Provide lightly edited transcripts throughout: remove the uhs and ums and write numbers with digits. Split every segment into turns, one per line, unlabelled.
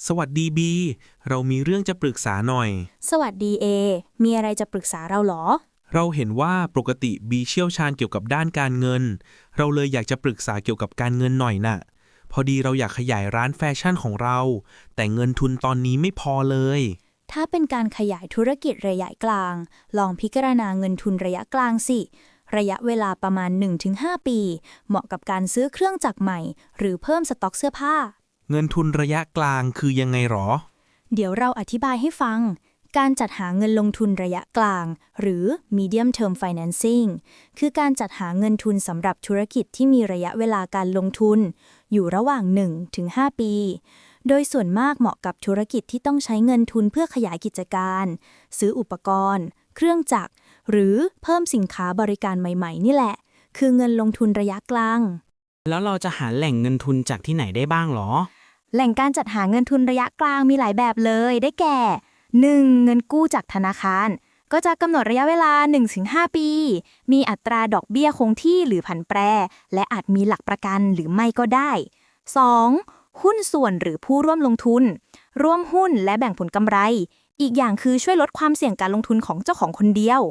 สวัสดีบีเรามีเรื่องจะปรึกษาหน่อย
สวัสดีเอ มีอะไรจะปรึกษาเราเหรอ
เราเห็นว่าปกติบีเชี่ยวชาญเกี่ยวกับด้านการเงิน เราเลยอยากจะปรึกษาเกี่ยวกับการเงินหน่อยน่ะ พอดีเราอยากขยายร้านแฟชั่นของเรา แต่เงินทุนตอนนี้ไม่พอเลย
ถ้าเป็นการขยายธุรกิจระยะกลาง ลองพิจารณาเงินทุนระยะกลางสิ ระยะเวลาประมาณ 1-5 ปี เหมาะกับการซื้อเครื่องจักรใหม่ หรือเพิ่มสต็อกเสื้อผ้า
เงินทุนระยะกลางคือยังไงหรอ
เดี๋ยวเราอธิบายให้ฟัง การจัดหาเงินลงทุนระยะกลาง หรือ medium term financing คือการจัดหาเงินทุนสำหรับธุรกิจที่มีระยะเวลาการลงทุน อยู่ระหว่าง 1-5 ปี โดยส่วนมากเหมาะกับธุรกิจที่ต้องใช้เงินทุนเพื่อขยายกิจการ ซื้ออุปกรณ์ เครื่องจักร หรือเพิ่มสินค้าบริการใหม่ๆ นี่แหละ คือเงินลงทุนระยะกลาง
แล้วเราจะหาแหล่งเงินทุนจากที่ไหนได้บ้างหรอ
แหล่งการจัดหาเงินทุนระยะกลางมีหลายแบบเลย ได้แก่ 1. เงินกู้จากธนาคาร ก็จะกำหนดระยะเวลา 1-5 ปี มีอัตราดอกเบี้ยคงที่หรือผันแปร และอาจมีหลักประกันหรือไม่ก็ได้ 2. หุ้นส่วนหรือผู้ร่วมลงทุน ร่วมหุ้นและแบ่งผลกำไร อีกอย่างคือช่วยลดความเสี่ยงการลงทุนของเจ้าของคนเดียว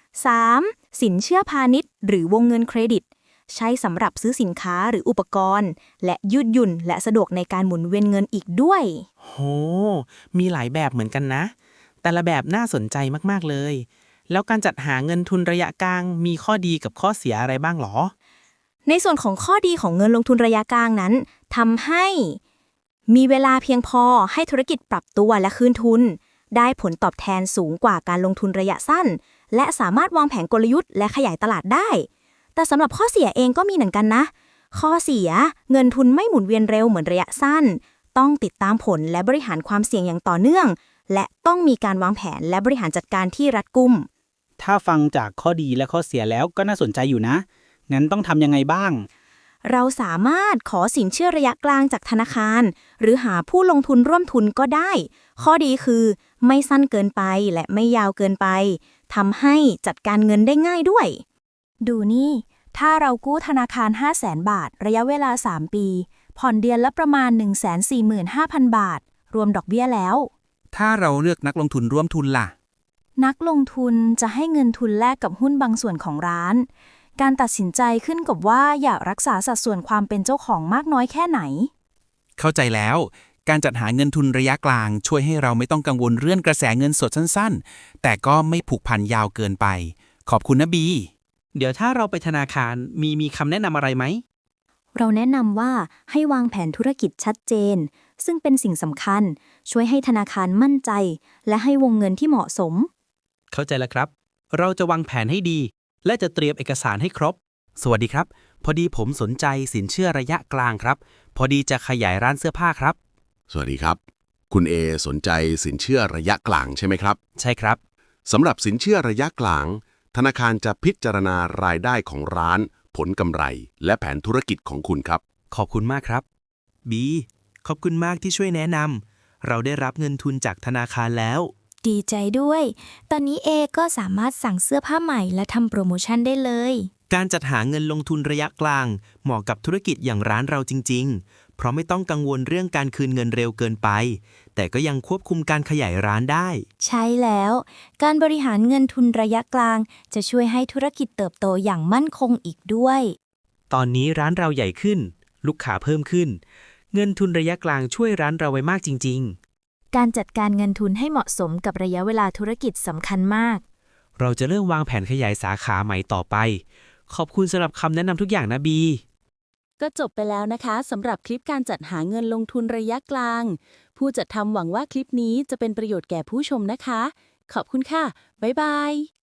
3. สินเชื่อพาณิชย์หรือวงเงินเครดิต ใช้สำหรับซื้อสินค้าหรืออุปกรณ์ และยืดหยุ่นและสะดวกในการหมุนเวียนเงินอีกด้วย
โห มีหลายแบบเหมือนกันนะ แต่ละแบบน่าสนใจมากๆเลย แล้วการจัดหาเงินทุนระยะกลางมีข้อดีกับข้อเสียอะไรบ้างหรอ
ในส่วนของข้อดีของเงินลงทุนระยะกลางนั้นทำให้มีเวลาเพียงพอให้ธุรกิจปรับตัวและคืนทุน ได้ผลตอบแทนสูงกว่าการลงทุนระยะสั้น และสามารถวางแผนกลยุทธ์และขยายตลาดได้ แต่สำหรับข้อเสียเองก็มีเหมือนกันนะ ข้อเสียเงินทุนไม่หมุนเวียนเร็วเหมือนระยะสั้น ต้องติดตามผลและบริหารความเสี่ยงอย่างต่อเนื่อง และต้องมีการวางแผนและบริหารจัดการที่รัดกุม
ถ้าฟังจากข้อดีและข้อเสียแล้วก็น่าสนใจอยู่นะ งั้นต้องทำยังไงบ้าง
เราสามารถขอสินเชื่อระยะกลางจากธนาคาร หรือหาผู้ลงทุนร่วมทุนก็ได้ ข้อดีคือไม่สั้นเกินไปและไม่ยาวเกินไปทำให้จัดการเงินได้ง่ายด้วย ดูนี่ ถ้าเรากู้ธนาคาร 500,000 บาท ระยะเวลา 3 ปี ผ่อนเดือนละประมาณ 145,000 บาท รวมดอกเบี้ยแล้ว
ถ้าเราเลือกนักลงทุนร่วมทุนล่ะ
นักลงทุนจะให้เงินทุนแลกกับหุ้นบางส่วนของร้าน การตัดสินใจขึ้นกับว่าอยากรักษาสัดส่วนความเป็นเจ้าของมากน้อยแค่ไหน
เข้าใจแล้ว การจัดหาเงินทุนระยะกลางช่วยให้เราไม่ต้องกังวลเรื่องกระแสเงินสดสั้นๆ แต่ก็ไม่ผูกพันยาวเกินไป ขอบคุณนะบี
เดี๋ยวถ้าเราไปธนาคารมีคำแนะนำอะไรไหม
เราแนะนำว่าให้วางแผนธุรกิจชัดเจน ซึ่งเป็นสิ่งสำคัญ ช่วยให้ธนาคารมั่นใจ และให้วงเงินที่เหมาะสม
เข้าใจแล้วครับ เราจะวางแผนให้ดี และจะเตรียมเอกสารให้ครบ
สวัสดีครับ พอดีผมสนใจสินเชื่อระยะกลางครับ พอดีจะขยายร้านเสื้อผ้าครับ
สวัสดีครับ คุณเอสนใจสินเชื่อระยะกลางใช่ไหมครับ
ใช่ครับ
สำหรับสินเชื่อระยะกลาง ธนาคารจะพิจารณารายได้ของร้าน ผลกำไร และแผนธุรกิจของคุณครับ
ขอบคุณมากครับบีขอบคุณมากที่ช่วยแนะนำเราได้รับเงินทุนจากธนาคารแล้ว
ดีใจด้วย ตอนนี้เอก็สามารถสั่งเสื้อผ้าใหม่และทำโปรโมชั่นได้เลย
การจัดหาเงินลงทุนระยะกลาง เหมาะกับธุรกิจอย่างร้านเราจริงๆ เพราะไม่ต้องกังวลเรื่องการคืนเงินเร็วเกินไป แต่ก็ยังควบคุมการขยายร้านได้
ใช่แล้ว การบริหารเงินทุนระยะกลาง จะช่วยให้ธุรกิจเติบโตอย่างมั่นคงอีกด้วย
ตอนนี้ร้านเราใหญ่ขึ้น ลูกค้าเพิ่มขึ้น เงินทุนระยะกลางช่วยร้านเราไว้มากจริงๆ
การจัดการเงินทุนให้เหมาะสมกับระยะเวลาธุรกิจสำคัญมาก
เราจะเริ่มวางแผนขยายสาขาใหม่ต่อไป ขอบคุณสำหรับคำแนะนำทุกอย่างนะบี
ก็จบไปแล้วนะคะสำหรับคลิปการจัดหาเงินลงทุนระยะกลาง ผู้จัดทำหวังว่าคลิปนี้จะเป็นประโยชน์แก่ผู้ชมนะคะ ขอบคุณค่ะ บ๊ายบาย